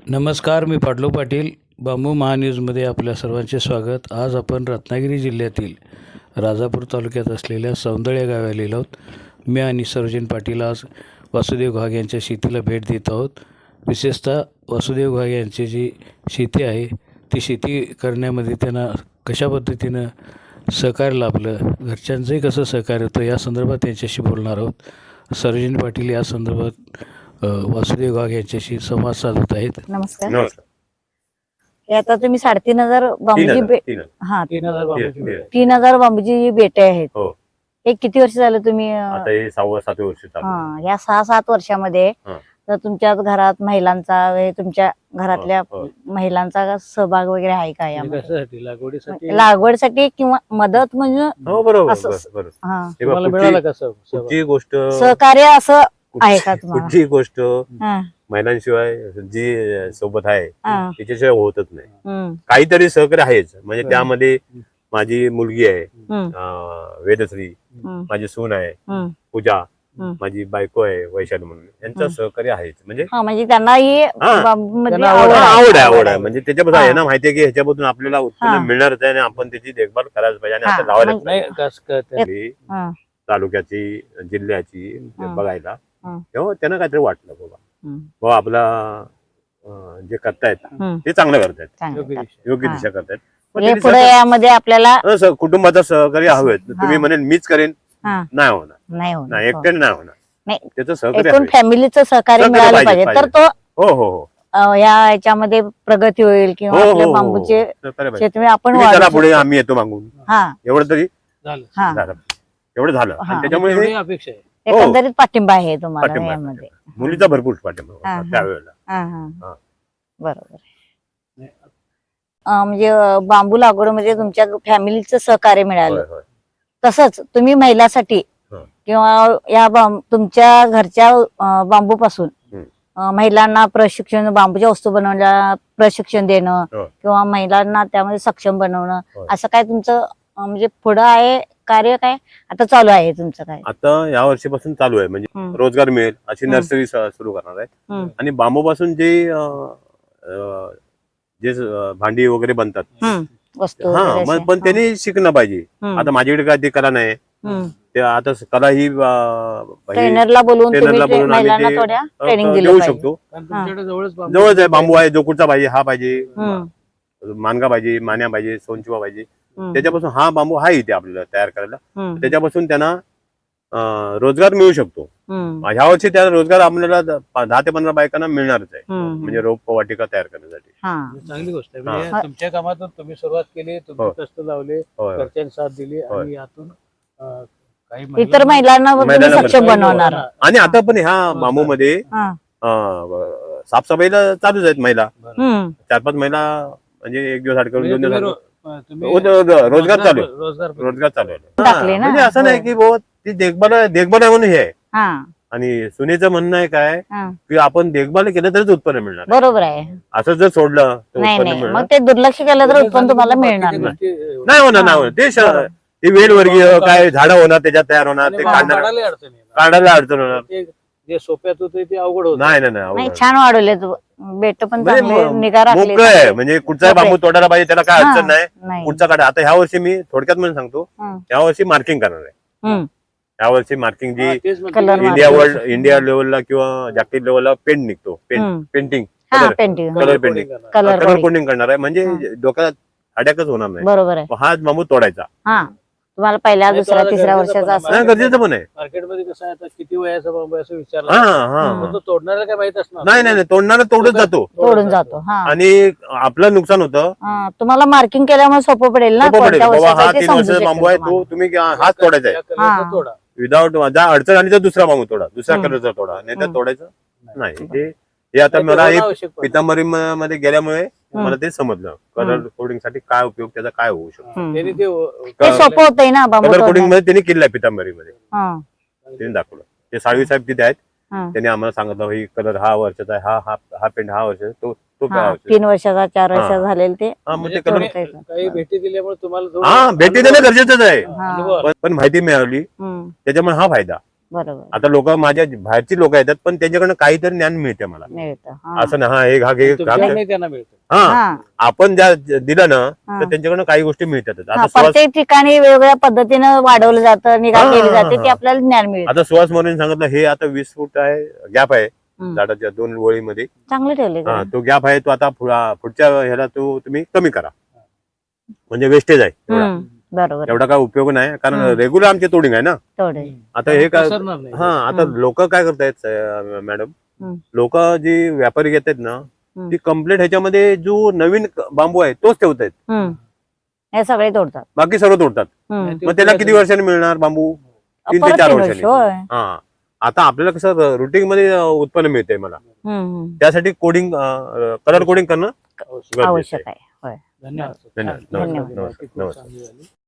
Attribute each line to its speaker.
Speaker 1: नमस्कार, मी पाटलो पाटील. बांबू महान्यूजमध्ये आपल्या सर्वांचे स्वागत. आज आपण रत्नागिरी जिल्ह्यातील राजापूर तालुक्यात असलेल्या सौंदळ या गावी आलेलो आहोत. मी आणि सर्वजन पाटील आज वासुदेव घाग यांच्या शेतीला भेट देत आहोत. विशेषतः वासुदेव घाग यांची जी शेती आहे ती शेती करण्यामध्ये त्यांना कशा पद्धतीनं सहकार्य लाभलं, घरच्यांचंही कसं सहकार्य होतं, या संदर्भात त्यांच्याशी बोलणार आहोत. सर्वजन पाटील या संदर्भात वासुदेव घाग यांच्याशी संवाद साधत आहेत.
Speaker 2: नमस्कार.
Speaker 3: नमस्कार.
Speaker 2: हे आता तुम्ही 3,500 बांबूची 3,000 बांबूची बेटे आहेत.
Speaker 3: हो.
Speaker 2: हे किती वर्ष झालं तुम्ही
Speaker 3: आता हे 6-7 वर्ष चालू आहे.
Speaker 2: या 6-7 वर्षामध्ये
Speaker 3: हा.
Speaker 2: तर तुमच्या घरात महिलांचा तुमच्या घरातल्या
Speaker 3: हो.
Speaker 2: सहभाग वगैरे आहे का यामध्ये?
Speaker 1: कशासाठी? लागवडीसाठी?
Speaker 2: लागवडसाठी किंवा मदत म्हणजे
Speaker 3: हो, बरोबर
Speaker 2: असं-
Speaker 3: बरोबर.
Speaker 2: हा.
Speaker 3: हे बघा,
Speaker 1: तुम्हाला मिळालं कसं?
Speaker 3: कुठची गोष्ट
Speaker 2: सहकार्य असं आहे का तुम्हाला?
Speaker 3: कुठची गोष्ट
Speaker 2: हा,
Speaker 3: महिलांशिवाय जी सोबत आहे
Speaker 2: हा,
Speaker 3: तिच्याशिवाय होतच नाही.
Speaker 2: हम्म,
Speaker 3: काहीतरी सहकार्य आहेच. म्हणजे
Speaker 1: हं.
Speaker 3: त्यामध्ये माझी मुलगी आहे
Speaker 2: हम्म,
Speaker 3: वेदश्री,
Speaker 2: हम्म,
Speaker 3: माझी सून आहे
Speaker 2: हम्म,
Speaker 3: पूजा,
Speaker 2: हं.
Speaker 3: माझी बायको आहे वैशाली म्हणून. यांचं
Speaker 2: हं.
Speaker 3: सहकार्य आहेच. म्हणजे
Speaker 2: हा, म्हणजे त्यांना ही
Speaker 3: हा.
Speaker 2: बांबूमध्ये
Speaker 1: त्यांना
Speaker 2: आवड
Speaker 3: आवड आहे. म्हणजे त्याच्याबद्दल
Speaker 2: हा.
Speaker 3: आहे ना, माहितीये की ह्याच्यामधून आपल्याला
Speaker 2: हा.
Speaker 3: उत्पन्न मिळणारच आहे आणि आपण त्याची देखभाल करायला पाहिजे आणि
Speaker 2: हा.
Speaker 3: आता लावायला
Speaker 2: म्हणजे-
Speaker 1: नाही कसं कळतं?
Speaker 3: पाहिजे.
Speaker 2: हा,
Speaker 3: तालुक्याची जिल्ह्याची
Speaker 2: हा.
Speaker 3: बघायला
Speaker 2: हा.
Speaker 3: तेव्हा त्यांना काहीतरी वाटलं बाबा
Speaker 2: हम्म,
Speaker 3: बाबा आपला जे करतायत
Speaker 2: हम्म,
Speaker 3: ते चांगलं करतायत,
Speaker 2: चांगलं.
Speaker 1: योग्य दिशा.
Speaker 3: योग्य
Speaker 2: हा.
Speaker 3: दिशा करतायत. पण
Speaker 2: म्हणजे
Speaker 3: त्यांनी
Speaker 2: पुढे यामध्ये आपल्याला
Speaker 3: कुटुंबाचं सहकार्य हवेत. तुम्ही म्हणेल मीच करेन,
Speaker 2: हा,
Speaker 3: नाही होणार.
Speaker 2: नाही होणार.
Speaker 3: नाही, एकट्याने नाही होणार.
Speaker 2: नाही.
Speaker 3: त्याचं सहकार्य
Speaker 2: एकूण
Speaker 3: हवे.
Speaker 2: फॅमिलीचं सहकार्य
Speaker 3: सहकार्य
Speaker 2: मिळालं
Speaker 3: पाहिजे,
Speaker 2: पाहिजे तर तो
Speaker 3: हो हो हो
Speaker 2: या याच्यामध्ये प्रगती होईल किंवा
Speaker 3: हो,
Speaker 2: आपल्या
Speaker 3: हो,
Speaker 2: बांबूचे
Speaker 3: सहकार्य पाहिजे.
Speaker 2: शेतमे आपण
Speaker 3: तुम्ही
Speaker 2: वाढवू
Speaker 3: चला पुढे,
Speaker 2: शकतो.
Speaker 3: आम्ही येतो मागून.
Speaker 2: हा,
Speaker 3: एवढं तरी
Speaker 1: झालं.
Speaker 2: हा.
Speaker 3: झालं. एवढं झालं.
Speaker 2: हा.
Speaker 3: आणि त्याच्यामुळे
Speaker 1: एवढी
Speaker 3: हे
Speaker 1: अपेक्षा आहे.
Speaker 3: हो.
Speaker 2: एकंदरीत पाठिंबा आहे तुम्हाला
Speaker 3: पाठिंबा आहे,
Speaker 2: यामध्ये.
Speaker 3: मुलीचा भरपूर पाठिंबा
Speaker 2: हा,
Speaker 3: होता
Speaker 2: हा.
Speaker 3: त्यावेळेला.
Speaker 2: हा, हा.
Speaker 3: हा.
Speaker 2: बरोबर. म्हणजे बांबू लागवडमध्ये तुमच्या फॅमिलीचं सहकार्य मिळालं.
Speaker 3: होय, होय.
Speaker 2: तसंच तुम्ही महिलासाठी
Speaker 3: हा.
Speaker 2: किंवा या तुमच्या घरच्या बांबूपासून
Speaker 3: हम्म.
Speaker 2: महिलांना प्रशिक्षण, बांबूच्या वस्तू बनवण्याला प्रशिक्षण देणं
Speaker 3: हो.
Speaker 2: किंवा महिलांना त्यामध्ये सक्षम बनवणं,
Speaker 3: होय.
Speaker 2: असं काय तुमचं म्हणजे पुढं आहे कार्य, काय आता चालू आहे तुमचं काय?
Speaker 3: आता या वर्षीपासून चालू आहे. म्हणजे
Speaker 2: हम्म.
Speaker 3: रोजगार मिळेल अशी
Speaker 2: हम्म.
Speaker 3: नर्सरी सुरू करणार आहे.
Speaker 2: हम्म.
Speaker 3: आणि बांबूपासून जे भांडी वगैरे बनतात,
Speaker 2: वस्तू
Speaker 3: हा,
Speaker 2: वगैरे
Speaker 3: मग
Speaker 2: अशा.
Speaker 3: पण त्यांनी शिकणं पाहिजे.
Speaker 2: हम्म.
Speaker 3: आता माझ्याकडे काय ती कला नाही.
Speaker 2: हम्म.
Speaker 3: ते आता कला ही
Speaker 2: ट्रेनरला बोलवून
Speaker 3: ट्रेनरला
Speaker 2: तुम्ही
Speaker 3: बोलवून आम्ही
Speaker 2: महिलांना
Speaker 3: ते,
Speaker 2: थोड्या ट्रेनिंग दिलं
Speaker 3: देऊ
Speaker 2: पाहिजे.
Speaker 3: शकतो.
Speaker 1: कारण तुमच्याकडे जवळच बांबू
Speaker 3: जवळच आहे, बांबू आहे, जो कुठचा पाहिजे हा पाहिजे,
Speaker 2: हम्म.
Speaker 3: मानगा पाहिजे, मान्या पाहिजे, सोनचिवा पाहिजे,
Speaker 2: हम्म.
Speaker 3: त्याच्यापासून हा बांबू हा इथे आपल्याला तयार करायला.
Speaker 2: हम्म.
Speaker 3: त्याच्यापासून त्यांना रोजगार मिळू शकतो.
Speaker 2: हम्म.
Speaker 3: ह्या वर्षी त्या रोजगार आपल्याला 10 ते 15 बायकांना मिळणारच आहे.
Speaker 2: हम्म.
Speaker 3: म्हणजे रोप वाटिका तयार करण्यासाठी.
Speaker 2: हा.
Speaker 1: चांगली गोष्ट आहे.
Speaker 3: हा.
Speaker 1: म्हणजे तुमच्या कामातून तुम्ही सुरुवात केली, तुम्ही
Speaker 3: हो.
Speaker 1: कष्ट लावले,
Speaker 3: होय.
Speaker 1: घरच्यांनी साथ दिली
Speaker 3: होय.
Speaker 1: आणि यातून काही
Speaker 2: इतर महिलांना तुम्ही
Speaker 3: महिलांना
Speaker 2: सक्षम
Speaker 3: पण-
Speaker 2: बनवणार.
Speaker 3: आणि आता पण ह्या बांबूमध्ये
Speaker 2: हा.
Speaker 3: साफसफाईला चालूच आहेत महिला.
Speaker 2: हम्म.
Speaker 3: 4-5 महिला म्हणजे एक दिवस आड करून 2
Speaker 1: म्हणजे
Speaker 3: दिवस
Speaker 1: तुम्ही
Speaker 3: आड
Speaker 1: तुम्ही
Speaker 3: रोजगार चालू आहे.
Speaker 1: रोजगार
Speaker 3: रोजगार चालू आहे.
Speaker 2: टाकले
Speaker 3: हा,
Speaker 2: ना.
Speaker 3: म्हणजे असं नाही
Speaker 2: हो.
Speaker 3: की बाबा ती देखभाल आहे म्हणून हे आहे.
Speaker 2: हा.
Speaker 3: आणि सुनेचं म्हणणं आहे काय
Speaker 2: हा.
Speaker 3: की आपण देखभाल केलं तरच उत्पन्न मिळणार.
Speaker 2: बरोबर आहे.
Speaker 3: असं जर सोडलं तर
Speaker 2: नाही
Speaker 3: उत्पन्न
Speaker 2: नाही,
Speaker 3: मिळणार
Speaker 2: मग ते दुर्लक्ष केलं तर उत्पन्न तुम्हाला मिळणार नाही.
Speaker 3: नाही होणार. नाही होणार.
Speaker 2: बरोबर.
Speaker 3: ते वेलवर्गीय काय झाडं होणार, त्याच्यात तयार होणार, ते
Speaker 1: काढायला
Speaker 3: काढणार,
Speaker 1: अडचण येणार.
Speaker 3: काढायला अडचण होणार.
Speaker 1: ते जे सोप्यात होते ते अवघड होत.
Speaker 3: नाही नाही
Speaker 2: नाही,
Speaker 3: नाही
Speaker 2: छान वाढवले तू बेट पण
Speaker 3: म्हणजे
Speaker 2: चांगले निगा राखली.
Speaker 3: मोकळं आहे. म्हणजे कुठचा बांबू तोडायला पाहिजे त्याला काय
Speaker 2: हा.
Speaker 3: अडचण नाही.
Speaker 2: नाही.
Speaker 3: पुढचा काढा. आता ह्या वर्षी मी थोडक्यात म्हणून सांगतो,
Speaker 2: हम्म.
Speaker 3: ह्या वर्षी मार्किंग करणार आहे.
Speaker 2: हम्म.
Speaker 3: ह्या वर्षी मार्किंग जी
Speaker 2: कलर
Speaker 3: इंडिया लेवलला किंवा जागतिक लेवलला पेंट निघतो,
Speaker 2: हम्म.
Speaker 3: पेंटिंग,
Speaker 2: हा, painting.
Speaker 3: Colour painting,
Speaker 2: colour
Speaker 3: colour coding करणार आहे. म्हणजे डोक्यात अडॅकच होणार नाही.
Speaker 2: बरोबर आहे.
Speaker 3: हाच बांबू तोडायचा.
Speaker 2: हा, तुम्हाला पहिल्या
Speaker 1: नाही,
Speaker 2: दुसऱ्या
Speaker 1: तुम्हाला
Speaker 2: तिसऱ्या
Speaker 1: गरजेचं
Speaker 2: वर्षाचा
Speaker 1: पण
Speaker 2: असं.
Speaker 3: नाही, गरजेचं पण आहे.
Speaker 1: मार्केटमध्ये कसं आहे आता किती वयाचा बांबू आहे असं
Speaker 3: हा
Speaker 1: विचारलं,
Speaker 3: हा
Speaker 1: पण तो तोडणाऱ्याला काय माहित असणार
Speaker 3: नाही नाही, तोडणारा तोडत जातो
Speaker 2: तोडून जातो. हा.
Speaker 3: आणि आपलं नुकसान होतं.
Speaker 2: हा, तुम्हाला मार्किंग केल्यामुळे सोपं पडेल ना.
Speaker 3: सोपं पडेल.
Speaker 2: कोणत्या
Speaker 3: बाबा
Speaker 2: वर्षाचा
Speaker 3: हा
Speaker 2: आहे ते
Speaker 3: 3
Speaker 2: समजू
Speaker 3: वर्षाचा बांबू आहे,
Speaker 2: शकेल
Speaker 3: तो तुम्ही हाच तोडायचा आहे.
Speaker 1: या कलरचा
Speaker 2: हा.
Speaker 1: तोडा.
Speaker 3: विदाऊट ज्या अडचण आली तर दुसरा बांबू तोडा, दुसऱ्या
Speaker 2: हम्म.
Speaker 3: कलरचा तोडा, नाही तर
Speaker 2: हम्म.
Speaker 3: तोडायचं नाही. हे आता
Speaker 1: नाही,
Speaker 3: मला
Speaker 1: ते
Speaker 3: एक
Speaker 1: होणं आवश्यक पण आहे.
Speaker 3: पितांबरी मध्ये गेल्यामुळे
Speaker 2: हम्म.
Speaker 3: मला ते समजलं कलर कोडिंग साठी काय उपयोग, त्याचा काय होऊ शकतो.
Speaker 2: हम्म.
Speaker 1: त्यांनी
Speaker 2: ते सोपं होतंय ना बांबू
Speaker 3: कलर कोडिंग
Speaker 2: तोडणं.
Speaker 3: मध्ये त्यांनी केलंय पितांबरी मध्ये,
Speaker 2: हा.
Speaker 3: त्यांनी दाखवलं. ते साळवी साहेब तिथे आहेत,
Speaker 2: हा.
Speaker 3: त्यांनी आम्हाला सांगितलं ही कलर हा वर्षाचा आहे, हा पेंट हा वर्षाचा, तो
Speaker 2: हा,
Speaker 3: वर्षाचा.
Speaker 2: 3 वर्षाचा 4 वर्षाचा
Speaker 3: हा.
Speaker 2: झालेले ते.
Speaker 3: हा, मग
Speaker 1: म्हणजे
Speaker 3: ते कलर
Speaker 1: तुम्ही काही भेटी दिल्यामुळे तुम्हाला थोडं
Speaker 3: हा भेटी देणं गरजेचंच आहे.
Speaker 1: अनुभव आला.
Speaker 3: पण माहिती मिळाली
Speaker 2: हम्म.
Speaker 3: त्याच्यामुळे हा फायदा.
Speaker 2: बरोबर
Speaker 3: आता लोक माझ्या बाहेरची लोक येतात पण त्यांच्याकडनं काहीतरी ज्ञान मिळते मला.
Speaker 2: मिळतं.
Speaker 3: असं ना हा एक हा घे
Speaker 1: तुमच्याकडे त्यांना मिळतं.
Speaker 3: हा
Speaker 2: हा
Speaker 3: आपण ज्या दिलं ना
Speaker 2: हा.
Speaker 3: तर त्यांच्याकडनं काही गोष्टी मिळतात.
Speaker 2: हा,
Speaker 3: आता सुहास
Speaker 2: प्रत्येक ठिकाणी वेगवेगळ्या पद्धतीनं वाढवलं जातं, निगा
Speaker 3: हा,
Speaker 2: केली
Speaker 3: हा,
Speaker 2: जाते,
Speaker 3: हा.
Speaker 2: ते आपल्याला ज्ञान मिळतं.
Speaker 3: आता सुहास मोरेने सांगितलं हे आता 20 फूट आहे गॅप आहे
Speaker 2: हम्म.
Speaker 3: झाडाच्या 2 ओळीमध्ये.
Speaker 2: चांगलं ठेवले
Speaker 3: हा तो गॅप आहे तो आता पुढच्या ह्याला तुम्ही कमी करा म्हणजे वेस्टेज आहे एवढा.
Speaker 2: बरोबर
Speaker 3: एवढा काय उपयोग नाही कारण
Speaker 2: हम्म.
Speaker 3: रेग्युलर आमचे तोडिंग आहे ना.
Speaker 2: थोडे
Speaker 3: आता हे काय
Speaker 1: पसरणार नाही.
Speaker 3: हा आता
Speaker 2: हम्म.
Speaker 3: लोक काय करतायत मॅडम
Speaker 2: हम्म.
Speaker 3: लोक जी व्यापारी घेतात ना
Speaker 2: हम्म.
Speaker 3: ती कम्प्लीट ह्याच्यामध्ये जो नवीन बांबू आहे तोच ठेवतायत
Speaker 2: हे सगळे तोडतात.
Speaker 3: बाकी सर्व तोडतात. मग त्याला किती वर्षांनी मिळणार बांबू? 3 ते 4 वर्षांनी.
Speaker 2: होय.
Speaker 3: हा आता आपल्याला कसं रुटीन मध्ये उत्पन्न मिळतंय मला त्यासाठी कोडिंग कलर कोडिंग करणं गरजेचं
Speaker 2: आवश्यक
Speaker 3: आहे.
Speaker 2: आहे. होय.
Speaker 1: धन्यवाद.
Speaker 3: धन्यवाद.
Speaker 2: धन्यवाद.
Speaker 3: नमस्कार.
Speaker 1: माहिती खूप चांगली झाली.